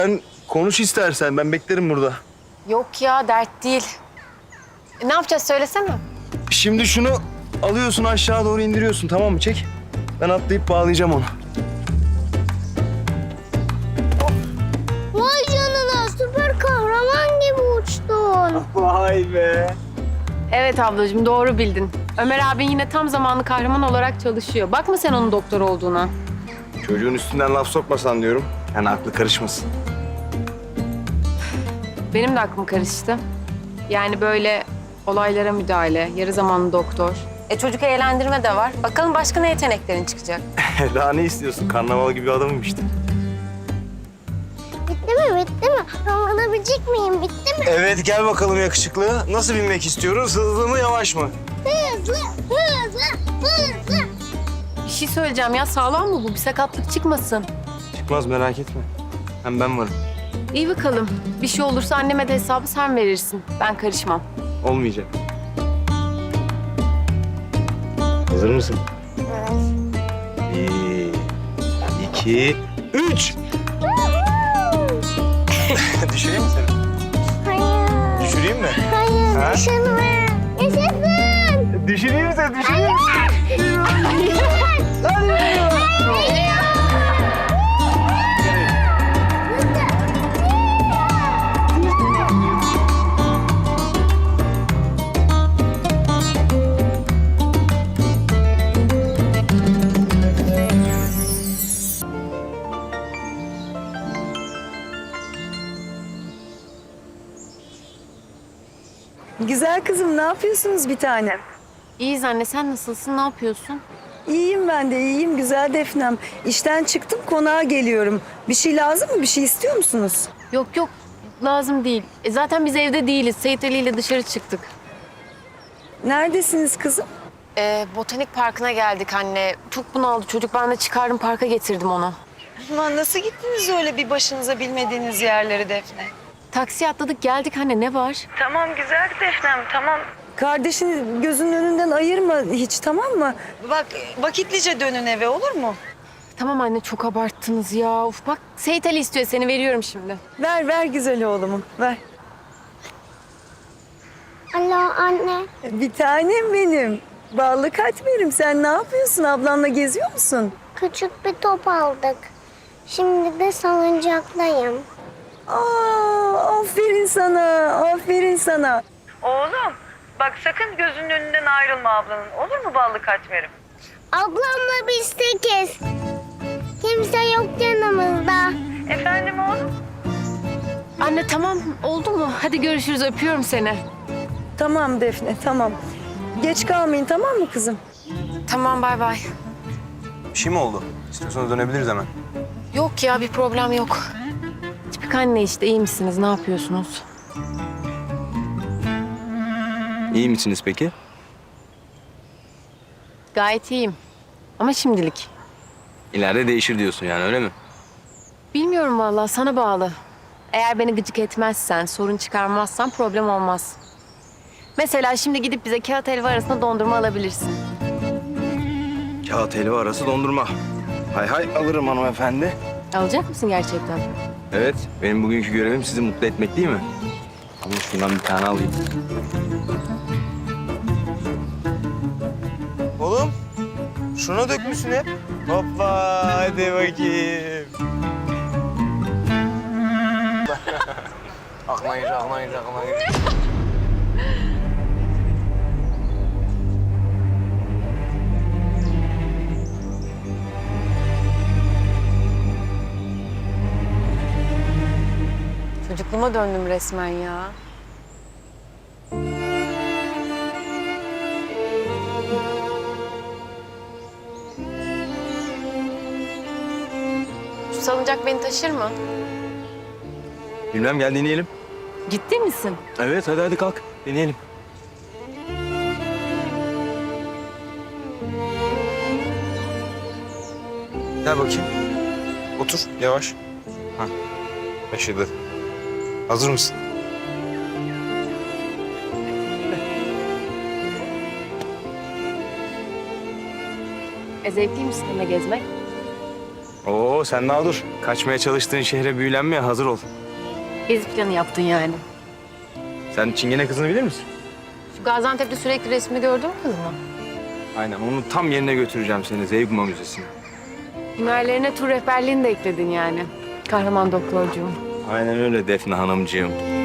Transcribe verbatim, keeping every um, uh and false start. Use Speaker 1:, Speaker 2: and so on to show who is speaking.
Speaker 1: Sen konuş istersen, ben beklerim burada.
Speaker 2: Yok ya, dert değil. E, ne yapacağız söylesene.
Speaker 1: Şimdi şunu alıyorsun, aşağı doğru indiriyorsun, tamam mı? Çek. Ben atlayıp bağlayacağım onu.
Speaker 3: Vay canına, süper kahraman gibi uçtun.
Speaker 1: Vay be.
Speaker 2: Evet ablacığım, doğru bildin. Ömer abin yine tam zamanlı kahraman olarak çalışıyor. Bakma sen onun doktor olduğuna.
Speaker 1: Çocuğun üstünden laf sokmasan diyorum. Yani aklı karışmasın.
Speaker 2: Benim de aklım karıştı. Yani böyle olaylara müdahale, yarı zamanlı doktor. E çocuk eğlendirme de var. Bakalım başka ne yeteneklerin çıkacak.
Speaker 1: Daha ne istiyorsun? Karnaval gibi adamım işte.
Speaker 3: Bitti mi, bitti mi? Alabilecek miyim, bitti mi?
Speaker 1: Evet, gel bakalım yakışıklı. Nasıl binmek istiyoruz? Hızlı mı, yavaş mı?
Speaker 3: Hızlı, hızlı, hızlı.
Speaker 2: Bir şey söyleyeceğim ya, sağlam mı bu? Bir sakatlık çıkmasın.
Speaker 1: Çıkmaz, merak etme. Hem ben varım.
Speaker 2: İyi bakalım. Bir şey olursa anneme de hesabı sen verirsin. Ben karışmam.
Speaker 1: Olmayacak. Hazır mısın? Bir, iki, üç. Düşüreyim mi seni?
Speaker 3: Hayır,
Speaker 1: Düşüreyim mi?
Speaker 3: hayır,
Speaker 1: Ha?
Speaker 3: düşünme. Yaşasın.
Speaker 1: Düşüreyim mi seni? Düşüreyim mi?
Speaker 4: Güzel kızım, ne yapıyorsunuz bir tanem?
Speaker 2: İyiyiz anne, sen nasılsın? Ne yapıyorsun?
Speaker 4: İyiyim ben de, iyiyim güzel Defnem. İşten çıktım, konağa geliyorum. Bir şey lazım mı? Bir şey istiyor musunuz?
Speaker 2: Yok yok, lazım değil. E, zaten biz evde değiliz. Seyit Ali ile dışarı çıktık.
Speaker 4: Neredesiniz kızım?
Speaker 2: Ee, botanik parkına geldik anne. Çok bunaldı çocuk. Ben de çıkardım parka getirdim onu.
Speaker 4: Aman nasıl gittiniz öyle bir başınıza bilmediğiniz yerleri Defne?
Speaker 2: Taksiye atladık geldik anne, ne var?
Speaker 4: Tamam güzel Defnem, tamam. Kardeşini gözünün önünden ayırma hiç, tamam mı? Bak vakitlice dönün eve, olur mu?
Speaker 2: Tamam anne, çok abarttınız ya. Uf, bak Seyit Ali istiyor seni, veriyorum şimdi.
Speaker 4: Ver, ver güzel oğlumu, ver.
Speaker 3: Alo anne.
Speaker 4: Bir tanem benim. Ballı katmerim, sen ne yapıyorsun? Ablanla geziyor musun?
Speaker 3: Küçük bir top aldık. Şimdi de salıncaktayım.
Speaker 4: Aa, aferin sana, aferin sana.
Speaker 5: Oğlum bak sakın gözünün önünden ayrılma ablanın. Olur mu ballı katmerim?
Speaker 3: Ablamla biz tekiz. Kimse yok yanımızda.
Speaker 5: Efendim oğlum?
Speaker 2: Anne tamam, oldu mu? Hadi görüşürüz, öpüyorum seni.
Speaker 4: Tamam Defne, tamam. Geç kalmayın, tamam mı kızım?
Speaker 2: Tamam, bay bay.
Speaker 1: Bir şey mi oldu? İstiyorsanız dönebiliriz hemen.
Speaker 2: Yok ya, bir problem yok. Tipik anne işte, iyi misiniz? Ne yapıyorsunuz?
Speaker 1: İyi misiniz peki?
Speaker 2: Gayet iyiyim. Ama şimdilik.
Speaker 1: İleride değişir diyorsun yani, öyle mi?
Speaker 2: Bilmiyorum vallahi, sana bağlı. Eğer beni gıcık etmezsen, sorun çıkarmazsan problem olmaz. Mesela şimdi gidip bize kağıt helva arasında dondurma alabilirsin.
Speaker 1: Kağıt helva arası dondurma. Hay hay, alırım hanımefendi.
Speaker 2: Alacak mısın gerçekten?
Speaker 1: Evet, benim bugünkü görevim sizi mutlu etmek değil mi? Ama şundan bir tane alayım. Oğlum, şuna dökmüşsün hep. Hoppa, hadi bakayım. aklına gir, aklına gir, aklına gir.
Speaker 2: Çocukluğuma döndüm resmen ya. Şu salıncak beni taşır mı?
Speaker 1: Bilmem, gel deneyelim.
Speaker 2: Ciddi misin?
Speaker 1: Evet, hadi hadi kalk, deneyelim. Gel bakayım. Otur, yavaş. Ha, taşıdı. Hazır mısın?
Speaker 2: E zevkli mi sizinle gezmek?
Speaker 1: Oo sen daha dur. Kaçmaya çalıştığın şehre büyülenmeye hazır ol.
Speaker 2: Gezi planı yaptın yani.
Speaker 1: Sen Çingene kızını bilir misin?
Speaker 2: Şu Gaziantep'te sürekli resmini gördün mü kız mı?
Speaker 1: Aynen onu tam yerine götüreceğim seni Zeugma Müzesi'ne.
Speaker 2: Hünerlerine tur rehberliğini de ekledin yani. Kahraman doktorcuğum.
Speaker 1: Aynen öyle Defne Hanımcığım.